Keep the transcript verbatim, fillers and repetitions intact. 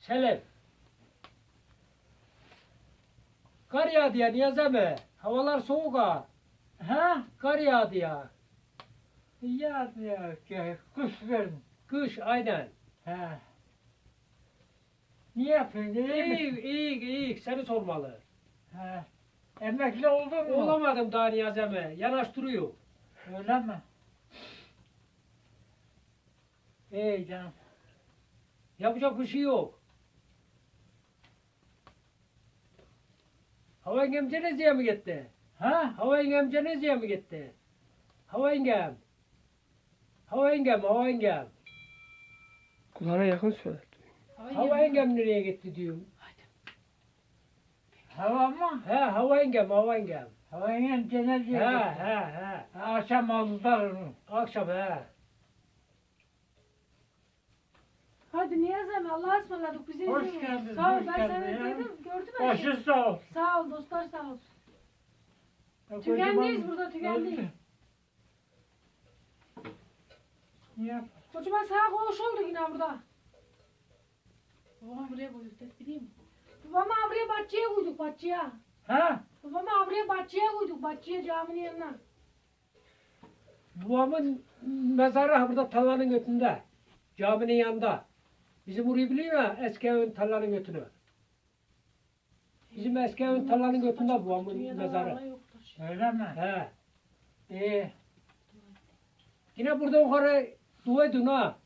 Selim. Kar yağdı ya Niyazemi. Havalar soğuk ha. Ha? Kar yağdı ya. Ya ya ki kuş verin. Kış aynen. Ha. Ne yapıyorsun? İyi İyi misin? iyi iyi seni sormalı. Ha. Emekli oldun mu? Olamadım daha Niyazemi. Yanaştırıyor. Öyle mi? İyi canım. Yapacak bir şey yok. Hava yengem Cenezi'ye mi gitti? Ha? Hava yengem Cenezi'ye mi gitti? Hava yengem. Hava yengem, hava yengem. Kulağına yakın söyle. Hava yengem nereye gitti diyorum. Hava mı? He, hava yengem, hava yengem. Havayla He, cenazeye gitti. he, he. Akşam aldılar onu. Akşam he. Hadi Niyazem Allah'a ısmarladık bize. Hoş izin ver. geldin, Sağ ol hoş ben geldin sana ya. dedim gördüm ben. Başı sağ ol. Sağ ol dostlar sağ olsun. Ya Tükendeyiz kocaman- burada, tükendeyiz. Öldü. Ne yap? Kocaman sağ koğuş oldu yine burada. Babam buraya koyduk tek bileyim mi? Babamı buraya bahçeye koyduk bahçeye. Ha? Babamı buraya bahçeye koyduk bahçeye caminin yanına. Babamın mezarı ha burada tarlanın götünde. Caminin yanında. Bizim orayı biliyor ya eski evin tarlanın götünü. Bizim eski evin tarlanın götünde babamın Dünyada mezarı. Allah yoktur. Öyle mi? He. İyi. Yine burada yukarı dua edin ha.